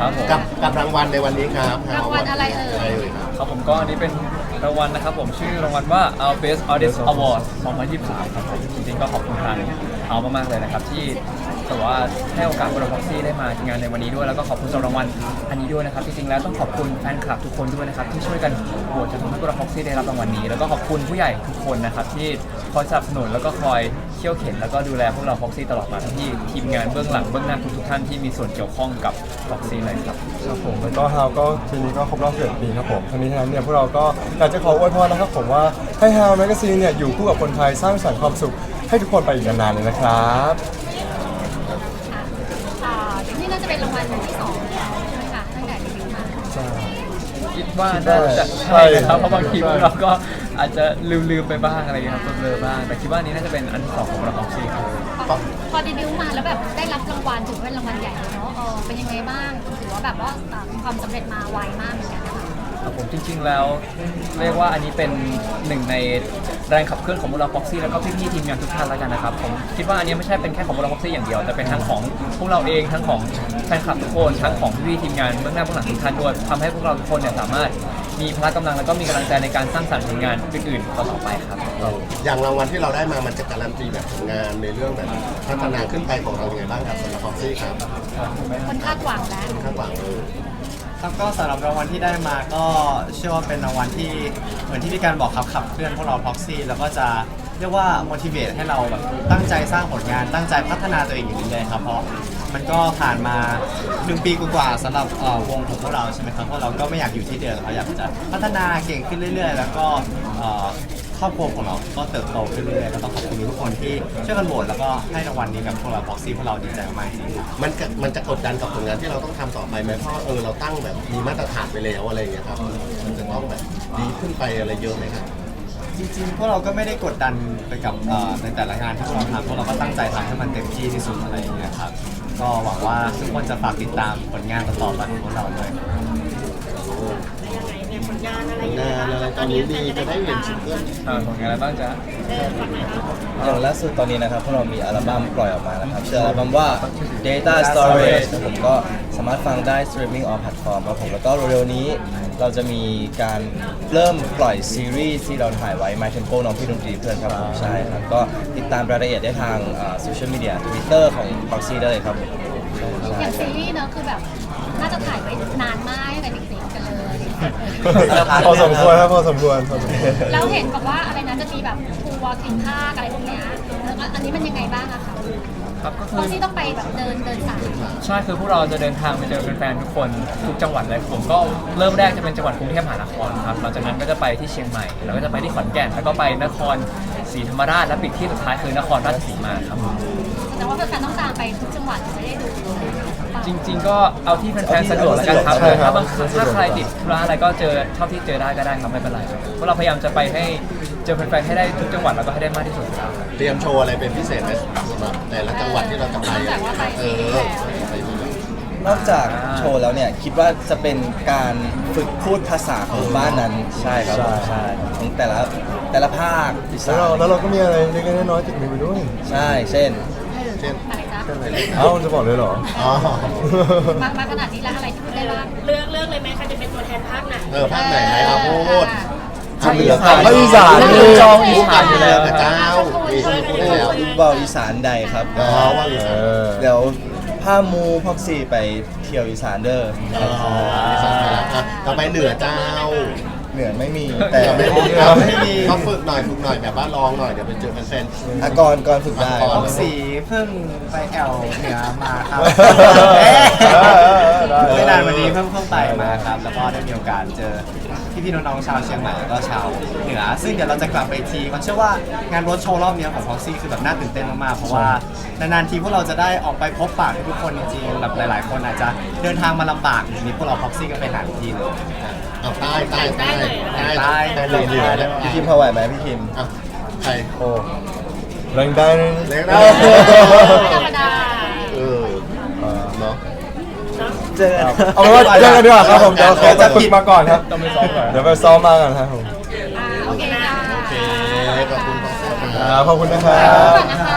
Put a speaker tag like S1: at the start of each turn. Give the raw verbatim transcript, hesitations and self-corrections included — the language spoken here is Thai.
S1: ครับผม
S2: กับกับรางวัลในวันนี้ครับ
S3: รางวัลอะไรเอ่ย
S2: อะไรเอ่ยครับ
S1: ครับผมก็อันนี้เป็นรางวัลนะครับผมชื่อรางวัลว่า Our Best Artist Award สองพันยี่สิบสามครับผมจริงๆก็ขอบคุณทางเอามากๆเลยนะครับที่แต่ว่าให้โอกาสพวกเราพ็อกซี่ได้มางานในวันนี้ด้วยแล้วก็ขอบคุณสำหรับรางวัลอันนี้ด้วยนะครับจริงๆแล้วต้องขอบคุณแฟนคลับทุกคนด้วยนะครับที่ช่วยกันโหวตจนทำให้พวกเราพ็อกซี่ได้รับรางวัลนี้แล้วก็ขอบคุณผู้ใหญ่ทุกคนนะครับที่คอยสนับสนุนแล้วก็คอยเขี่ยวเข็นแล้วก็ดูแลพวกเราพ็อกซี่ตลอดมาทั้งที่ทีมงานเบื้องหลังเบื้องหน้าทุกๆท่านที่มีส่วนเกี่ยวข้องกับพ็อกซี่เลยครับ
S4: ครับผมแล้วก็ฮาวก็ทีนี้ก็ครบรอบสิบปีครับผมทั้งนี้ทั้งนั้นเนี่ยพวกเราก็อยากจะขออวยพรนะครับผมว่าให้ฮาวแมกกาซีนเนี่ยอยู่คู่กับคนไทยสร้างสรรค์ความสุขให้ทุกคนไปอีกนานๆเลยนะครับ
S3: อ่านี่น่าจะเป็นรางวัลที่สองแล้วใช่ไหมคะตั้งแต่เดบิวต์มา
S4: ใช่
S1: คิดว่าน่าจะใช่นะครับเพราะบางทีพวกเราก็อาจจะลืมๆไปบ้างอะไรอย่างเงี้ยครับเบลอๆบ้างแต่คิดว่านี้น่าจะเป็นอันที่สองของเราของซีครับ
S3: พอพอเดบิวต์มาแล้วแบบได้รับรางวัลถือว่าเป็นรางวัลใหญ่เลยเนาะเออเป็นยังไงบ้างถือว่าแบบว่าอ่าความสำเร็จมาไวมากเหมือนกันนะคะ
S1: ครับผมจริงๆแล้วเรียกว่าอันนี้เป็นหนึ่งในแรงขับเคลื่อนของพวกเราพ็อกซี่แล้วก็พี่ๆทีมงานทุกท่านแล้วกันนะครับผมคิดว่าอันนี้ไม่ใช่เป็นแค่ของพวกเราพ็อกซี่อย่างเดียวแต่เป็นทั้งของพวกเราเองทั้งของแฟนคลับทุกคนทั้งของพี่ๆทีมงานเบื้องหน้าเบื้องหลังทุกท่านด้วยทำให้พวกเราทุกคนเนี่ยสามารถมีพละกำลังแล้วก็มีกำลังใจในการสร้างสรรค์ผลงานอื่นๆต่อๆไปครับ
S2: อย่างรางวัลที่เราได้มามันจะการันตีแบบผลงานในเรื่องแบบพัฒนาขึ้นไปของเรายังไงบ้างครับสำหรับพ็อกซี่ครับ
S3: คนคาดหวังแล้ว
S2: คาดหวังเลย
S5: ครับก็สำหรับรางวัลที่ได้มาก็เชื่อว่าเป็นรางวัลที่เหมือนที่พี่การบอกครับขับเคลื่อนพวกเราพ็อกซี่แล้วก็จะเรียกว่า motivate ให้เราแบบตั้งใจสร้างผลงานตั้งใจพัฒนาตัวเองอยู่เรื่อยๆครับเพราะมันก็ผ่านมาหนึ่งปีกว่าๆสำหรับเอ่อวงของพวกเราใช่ไหมครับพวกเราก็ไม่อยากอยู่ที่เดิมเราอยากจะพัฒนาเก่งขึ้นเรื่อยๆ แล้วก็เอ่อครอบครัวของเราก็เติบโตขึ้นเรื่อยๆก็ต้องขอบคุณทุกคนที่ช่วยกันโหวตแล้วก็ให้รางวัลนี้กับพวกเราพ็อกซี่พวกเราดีใจมากๆจริงๆ
S2: มันจะมันจะกดดันกับผลงานที่เราต้องทำต่อไปไหมเพราะเออเราตั้งแบบมีมาตรฐานไปแล้วอะไรอย่างเงี้ยครับมันจะต้องแบบดีขึ้นไปอะไรเยอะไหมครับ
S5: จริงๆพวกเราก็ไม่ได้กดดันไปกับเอ่อในแต่ละงานที่พวกเราทำพวกเราก็ตั้งใจทำให้มันเต็มที่ที่สุดอะไรอย่างเงี้ยครับก็หวังว่าทุกคนจะฝากติดตามผลงานต่อๆไปของพวกเราด้วย
S6: ยังไงเนี่ยผลงานอะไร
S2: งานอะไรตอนนี้ดีจะได้เห็นซิงเกิล
S1: อ่าผลงานอะไรบ้างจ๊ะ
S6: เออฝั่งไหนครับ
S7: อย่างล่าสุดตอนนี้นะครับพวกเรามีอัลบั้มปล่อยออกมานะครับชื่ออัลบั้มว่า Data Storage ครับผมก็สามารถฟังได้ streaming on platform ครับผมแล้วก็เร็วๆนี้เราจะมีการเริ่มปล่อยซีรีส์ที่เราถ่ายไว้ My Tempo น้องพี่ดนตรีเพื่อนครับผมใช่ครับก็ติดตามรายละเอียดได้ทางโซเชียลมีเดีย Twitter ของ Proxy ได้เลยครับผม
S3: อย่างซีรีส์เนอะคือแบบน่าจะถ่ายไว้นานมากตั้งแต่เด็กๆกันเลย
S4: พอสมควรครับพอสมควรพอสมควร
S3: แล้วเห็นบอกว่าอะไรนะจะมีแบบทัวร์กินข้าวอะไรพวกเนี้ยแล้วก็อันนี้มันยังไงบ้างอะคะ
S1: ครับก็
S3: เพ
S1: คือ
S3: ราะที่ต้องไปแบบเดินเดินสาย
S1: ใช่คือพวกเราจะเดินทางไปเจอแฟนๆทุกคนทุกจังหวัดเลยผมก็เริ่มแรกจะเป็นจังหวัดกรุงเทพมหานครครับหลังจากนั้นก็จะไปที่เชียงใหม่แล้วก็จะไปที่ขอนแก่นแล้วก็ไปนครศรีธรรมราชและปิดที่สุดท้ายคือนครราชสีมาครับ
S3: แต่ว่าแฟนๆต้องตามไปทุกจังหวัดจะได้ดู
S1: จริงๆก็เอาที่แฟนๆสะดวกแล้วกันครับ
S4: ใช่ครับ
S1: ถ้าบางถ้าใครติดธุระอะไรก็เจอเท่าที่เจอได้ก็ได้ครับไม่เป็นไรเพราะเราพยายามจะไปให้เจอแฟนๆให้ได้ทุกจังหวัดแล้วก็ให้ได้มากที่สุดครับ
S2: เตรียมโชว์อะไรเป็นพิเศษไหมสำหรับแต่ละจังหวัดที่เราจะไป
S3: แต่ว่าไป
S2: เอ
S3: ซี
S2: อ
S3: รีส์แล้ว
S2: ไปดูแล้ว
S7: นอกจากโชว์แล้วเนี่ยคิดว่าจะเป็นการฝึกพูดภาษาของบ้านนั้นใช่ครับผมใช่ของแต่ละแต่ละภาคอี
S4: แล้
S7: สาว
S4: เรา
S7: น
S4: แล้วเราก็มีอะไรเล็กๆน้อยๆติดมือไปด้วย
S7: ใช่เช่น
S2: เช่น
S3: อะไรจ๊ะ
S2: เช่นอะไรเลย
S4: เอ้าจะบอกเลยเหรอ
S2: อ๋อ
S3: มามาขนาดนี้แล้วอะไรที่พูดได้บ้าง
S6: เลือกเลือกเลยไหมใครจะเป็นตัวแทนภาคไหน
S2: เออภาคไหนไหนเอาพูด
S1: ภาคอีสาน
S4: ภาคอีสาน
S1: นี่จองอีสานอยู่แล้ว
S2: กับเจ้ามีชื่อพูดได้แล้ว
S7: เบาอีสานใดครับ
S2: อ๋อว่าอีสาน
S4: เออ
S7: เดี๋ยวผ้ามูพ็อกซี่ไปเที่ยวอีสานเด้อ
S2: อ๋ออีสานไปแล้วอ่ะต่อไปเหนือเจ้า
S7: เหนือไม่มี
S2: แต่
S7: แต่
S2: ไม่
S7: ไม่
S2: มี
S7: มี
S2: ครับไม่มีเขาฝึกหน่อยฝึกหน่อยแบบว่าลองหน่อยเดี๋ยวไปเจอแฟน
S7: อากรก่อนฝึกได้
S2: อ่ะก่
S5: พ็
S2: น
S5: อกซี่เพิ่งไปแอลเหนือมาครับ
S4: ได้
S5: ไม่นานวันนี้เพิ่งเพิ่งไปมาครับ แล้วก็ได้มีโอกาสเจอพี่พี่ๆน้องๆชาวเชียงใหม่แล้วก็ชาวเหนือ ซึ่งเดี๋ยวเราจะกลับไปอีกทีมันเชื่อว่างานรถโชว์รอบนี้ของพ็อกซี่คือแบบน่าตื่นเต้นมากๆเพราะว่านานๆทีพวกเราจะได้ออกไปพบปะทุกคนจริงๆแบบหลายๆ คนอาจจะเดินทางมาลำบากทีนี้พวกเราพ็อกซี่ก็ไปหาทุกทีเลย
S2: ๆเอาใต้ใต้ใต้ใต้
S5: ใต้
S2: ใต้เลยเหนือแล้ว
S7: พี่คิมพอไหวไหมพี่คิม
S2: อ่ะใคร
S4: โอ้แรงได้เลย
S2: เล็กได้
S3: ไม่ธรรมดา
S2: เออเนาะ
S7: เจอกัน
S4: เอาเป็นว่าเจอกันดีกว่าครับผมเดี๋ยวขอไปฝึกมาก่อนครับ
S1: ต้องไปซ้อมก่อน
S4: เดี๋ยวไปซ้อมมากันครับผม
S3: อ่าโอเคค่ะ
S2: โอเคขอบคุณพ่อเสื้อ
S4: ครับขอบคุณนะครับ
S3: ก่อนนะคะ